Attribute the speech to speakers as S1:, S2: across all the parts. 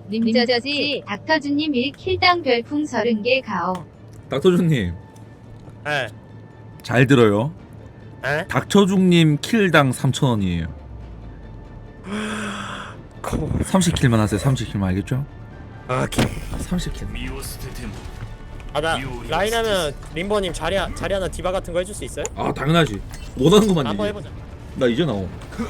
S1: 님저저지 닥터주님 1킬당 별풍 30개 가오.
S2: 닥터준님
S3: 예.
S2: 잘 들어요.
S3: 예?
S2: 닥터중님 킬당 3,000원이에요. 30킬만 하세요. 30킬만 알겠죠?
S3: 오케이.
S2: 30킬.
S3: 나 라인 하면 림버님 자리 하나 디바 같은 거 해줄 수 있어요?
S2: 아 당연하지. 원하는 것만
S3: 한번
S2: 얘기해.
S3: 해보자.
S2: 나 이제 나옴.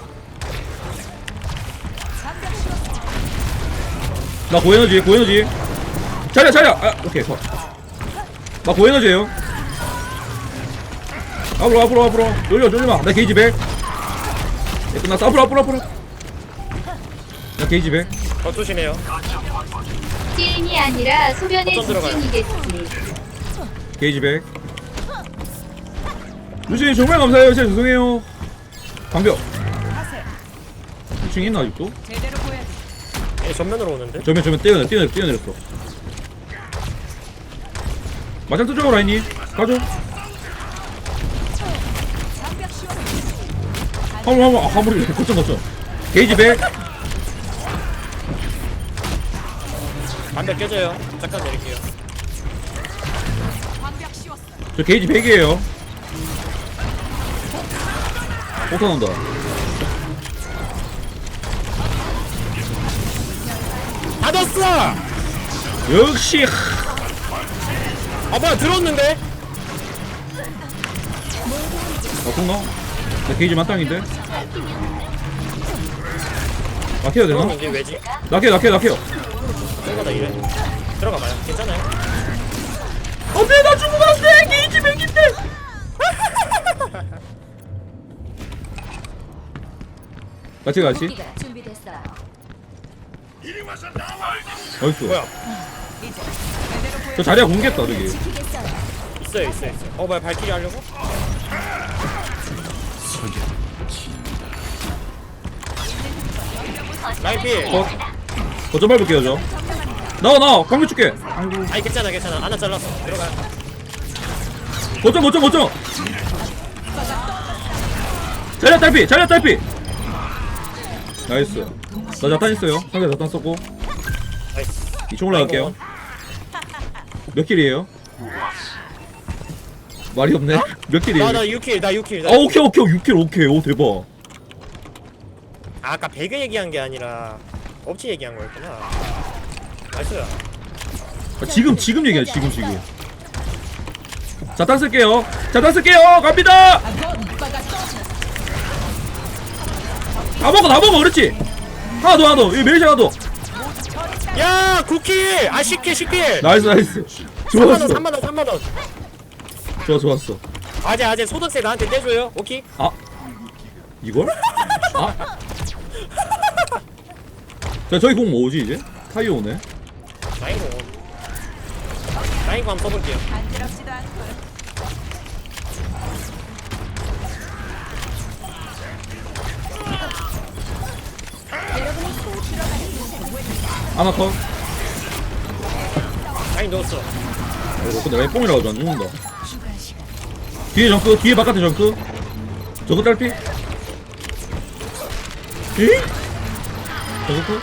S2: 나 고에너지. 자리야. 아 오케이 컷. 나 고에너지예요. 앞으로. 놀리마. 나 게이지 100. 끝났어. 앞으로. 나 게이지 100.
S3: 조심해요.
S1: 찌임이 아니라 소변의
S3: 어쩜 들어가요?
S1: 집중이겠지.
S2: 게이지 100. 루시님 정말 감사해요. 진짜 죄송해요. 방벽. 2층에 있나 아직도?
S3: 얘 전면으로 오는데?
S2: 저면 뛰어내렸어. 마장 뜨죠 라인이. 가죠. 화물이 거점. 게이지 100.
S3: 반대 깨져요. 잠깐 내릴게요.
S2: 저 게이지 100이에요. 폭탄 온다.
S3: 받았어!
S2: 역시
S3: 뭐야 들었는데?
S2: 폭나? 나 게이지 만땅인데? 낙해야 되나?
S3: 이게 왜지?
S2: 낙해요.
S3: 들어가다 이래. 들어가봐요. 괜찮아요.
S2: 안돼 나 죽으면 안돼. 게이지 100인데. 같이. 어딨어?
S3: 뭐야?
S2: 저 자리야 공개했다 저기.
S3: 있어요. 뭐야 발키리 하려고? 라인 필.
S2: 거점 밟을게요 저. 나와 방금 줄게. 아이고.
S3: 아니 괜찮아. 하나 잘랐어. 들어가요.
S2: 거점. 자리야 딸피. 나이스. 나 자탄 있어요. 상대 자탄 썼고.
S3: 나이스.
S2: 2층 올라갈게요. 몇 킬이에요? 말이 없네. 몇 킬이에요?
S3: 나 6킬.
S2: 아 오케이 6킬 오케이. 오 대박.
S3: 아까 배그 얘기한 게 아니라 업체 얘기한 거였구나. 나이스.
S2: 아, 지금 얘기해 지금. 자탄 쓸게요. 갑니다. 다 먹어 그렇지. 하나 더 여기 메리시 하나 더.
S3: 야 9킬! 10킬!
S2: 나이스. 좋았어.
S3: 3만원.
S2: 좋았어.
S3: 아재 소득세 나한테 떼줘요. 오케이?
S2: 아 이걸? 아? 자 저기 공 뭐지 이제? 타이어 오네.
S3: 라인공 한번 써볼게요.
S2: 하나 컷.
S3: 라인 넣었어.
S2: 아이고 근데 라인 뽕이라고 안 죽는다. 뒤에 정크, 뒤에 바깥에 정크. 저거 딸피? 에? 저거 컷?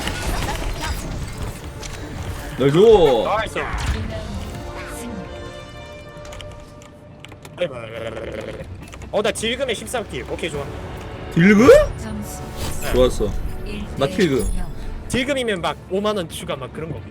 S2: 날 줘.
S3: 나이스. 나 딜금에 13킬. 오케이 좋아.
S2: 딜그? 좋았어. 나 킬그.
S3: 딜금이면 막 5만원 추가 막 그런 거 없나?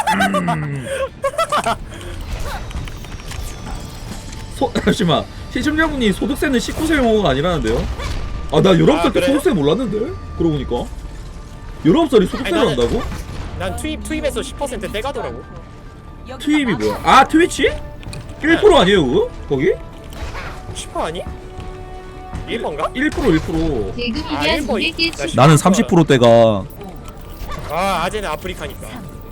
S2: 잠시만. 시청자분이 소득세는 19세 용어가 아니라는데요? 아 나 19살 때
S3: 그래요?
S2: 소득세 몰랐는데? 그러고 보니까 19살이 소득세를
S3: 아니, 나는-
S2: 한다고?
S3: 난 투입에서 10% 떼가더라고.
S2: 투입이 뭐야? 아 트위치? 1% 아니에요 그거? 거기?
S3: 10% 아니? 1번가?
S2: 1%.
S1: 대금이면
S3: 일본
S1: 200개
S3: 나
S1: 치.
S2: 나는 30%대가
S3: 아 아재는 아프리카니까.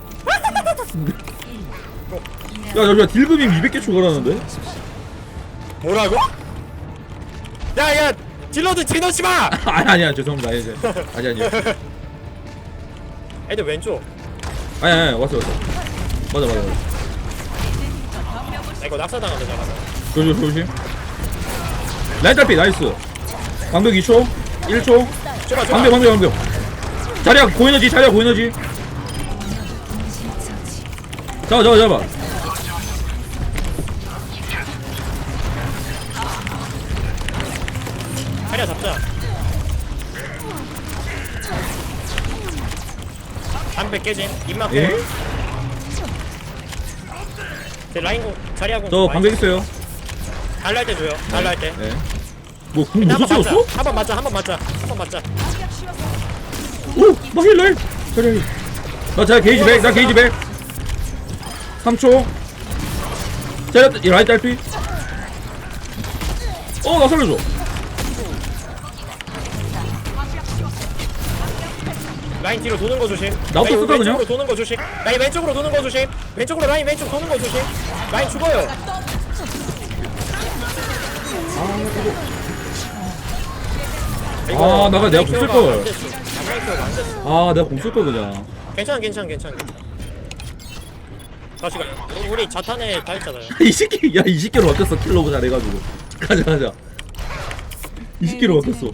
S2: 야 딜금이 200개 추가라는데?
S3: 뭐라고? 야야 딜러드 지너지 마!
S2: 아니야 죄송합니다. 아니
S3: 애들 왼쪽.
S2: 아니 왔어. 맞아.
S3: 이거 낙사당한다 잡아서.
S2: 조심. 라인 딸피 나이스. 방벽 2초 1초.
S3: 좁아.
S2: 방벽. 자리야 고에너지. 잡아.
S3: 자리야 잡자. 담배 깨짐. 입막.
S2: 예?
S3: 제 라인공 자리하고.
S2: 저 방백 있어요.
S3: 달랄 때 줘요. 달랄 때.
S2: 예. 뭐궁 무슨 채웠어?
S3: 한번 맞자. 한번 맞자.
S2: 오! 나 힐러! 자리 나 게이지 100, 나 게이지 100 3초 자리 이 라인 딸피 나 살려줘
S3: 라인 뒤로 도는 거 조심.
S2: 나부터
S3: 라인
S2: 쓸까, 그냥?
S3: 왼쪽으로 도는 거 조심. 라인 왼쪽으로 도는 거 조심. 왼쪽으로 라인 왼쪽 도는 거 조심. 라인 죽어요.
S2: 나가 내가 공 쓸걸
S3: 안 됐어.
S2: 내가 공 쓸걸 그냥
S3: 괜찮아. 다시 가. 우리 자탄에 다 했잖아요.
S2: 이 새끼 이 새끼로 어땠어 킬러브 잘해가지고 가자 이 새끼로 어땠어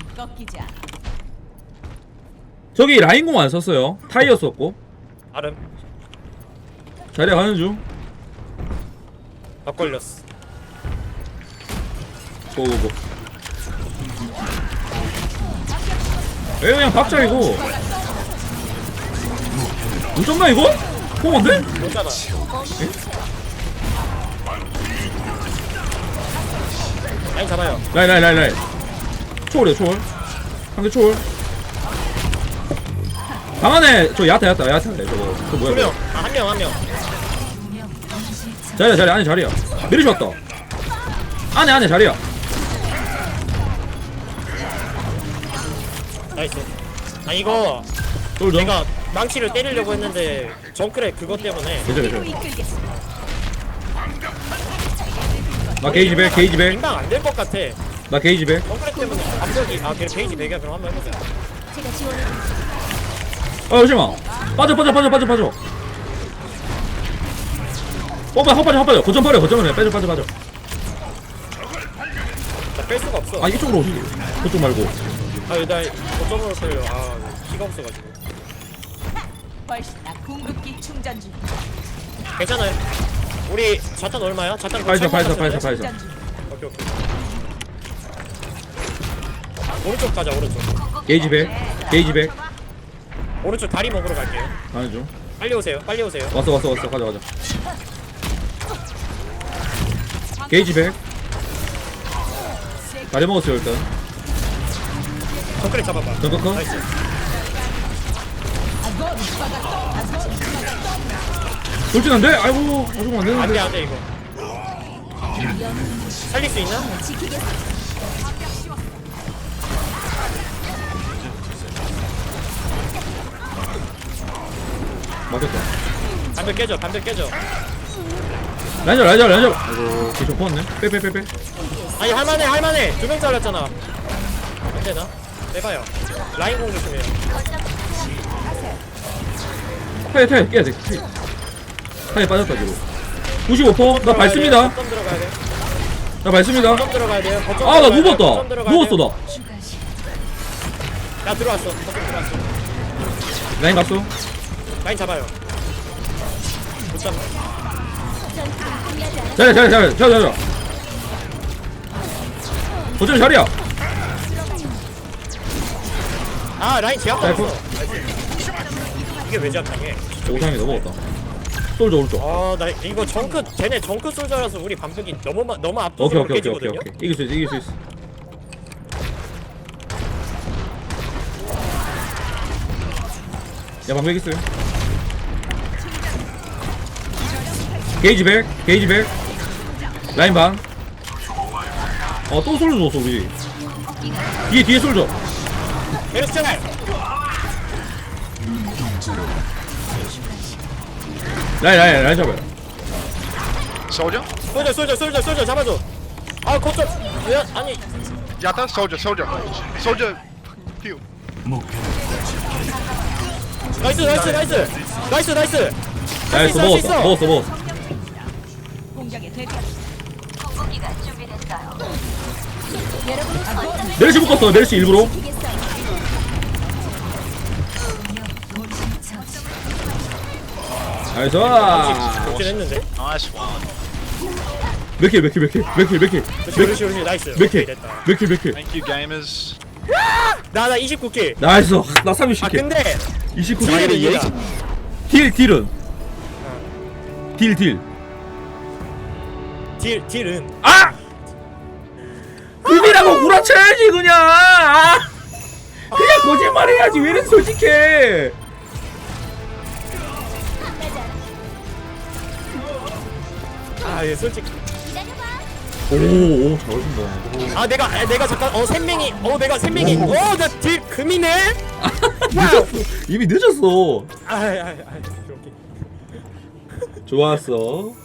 S2: 저기 라인공 안 썼어요 타이어 썼고
S3: 아름.
S2: 자리에 가는 중
S3: 막 걸렸어.
S2: 고고고 왜 그냥 박자 이거 못 잡나 이거? 포먼데?
S3: 못 잡아. 라인 잡아요.
S2: 라인 초월이야 초월 상대 초월 방 안에 저 야타 저거 뭐야
S3: 두 명. 한 명.
S2: 자리야 안에 자리야 메리시 왔다 안에 자리야
S3: 나이스. 이거
S2: 솔져
S3: 내가 망치를 때리려고 했는데 정크랩 그것 때문에
S2: 괜찮아 나 게이지 100
S3: 인방 안 될 것 같아.
S2: 나 게이지 100
S3: 정크랩 때문에 압력이 그래 페이지 100이야. 그럼 한번 해보자.
S2: 잠시만 빠져 헛빠져 거점 버려 빠져
S3: 나뺄 수가 없어.
S2: 이쪽으로 오시지 그쪽 말고
S3: 나 거점으로 끌려. 피가 없어가지고.
S4: 훨씬 나 궁극기 충전 중.
S3: 괜찮아요. 우리 자탄 얼마야? 자탄
S2: 파이사
S3: 오케이. 오른쪽 가자. 오른쪽.
S2: 게이지 100
S3: 오른쪽 다리 먹으러 갈게요.
S2: 가는 중
S3: 빨리 오세요.
S2: 왔어 가자 게이지 100 다리 먹었어요 일단
S3: 정크랩 잡아봐.
S2: 정크커
S3: 나이스.
S2: 돌진한데? 아이고 아직 안 되는데
S3: 안돼 이거. 살릴 수 있나?
S2: 맞겠다
S3: 반대 깨져.
S2: 라인저 아이고 기좀 퍼왔네 빼
S3: 아니 할만해. 2명 잘랐잖아. 안 되나? 빼봐요. 라인 공 조심해요.
S2: 타이어 깨야 돼 타이어 빠졌다 뒤로 95%? 나 밟습니다
S3: 거점 들어가야 돼.
S2: 나 밟습니다
S3: 거점 들어가야 돼요. 거점
S2: 나
S3: 들어가야 돼요.
S2: 누웠다
S3: 거점 들어가야
S2: 누웠어
S3: 돼요.
S2: 나
S3: 야 들어왔어. 거점 들어왔어.
S2: 라인 갔어
S3: 라인 잡아요. 못 잡나?
S2: 자리야 어쩜 자리야
S3: 라인 제압
S2: 잘
S3: 받았어. 이게 왜 제압당해?
S2: 오상이 넘어갔다 솔져 오른쪽
S3: 나 이거 쟤네 정크 솔저라서 우리 반격이 너무
S2: 오케이
S3: 압도적으로 깨지거든요.
S2: 이길 수 있어 야 방백 있어요 게이지 100 라인 반또 솔져 줬어 우리 뒤에 솔져
S3: 메르스 짤!
S2: 라인 잡아요
S5: Soldier?
S3: 솔저 잡아줘. 거점. 아니
S5: Yata? Soldier. Heal.
S3: 나이스.
S2: 나이스 먹었어
S4: 공격에 대비.
S2: 메르시 묶었어 메르시 일부러 나이스.
S3: 좋긴 했는데.
S5: Nice one.
S2: 몇킬
S3: 그렇지 나이스. 오케이, 됐다.
S5: Thank you, gamers.
S3: 나 29킬.
S2: 나이스. 나
S3: 아
S2: 30킬.
S3: 근데
S2: 29킬.
S3: 딜은 이해가.
S2: 딜은
S3: 딜은
S2: 아! 금이라고 구라쳐야지 그냥. 아! 그냥 거짓말해야지. 왜 이렇게 솔직해?
S3: 예 솔직히.
S2: 오 잘하신다.
S3: 아 내가 잠깐 샘맹이 내가 샘맹이 나 딜 금이네.
S2: 늦었어. 이미 늦었어.
S3: 오케이.
S2: 좋았어.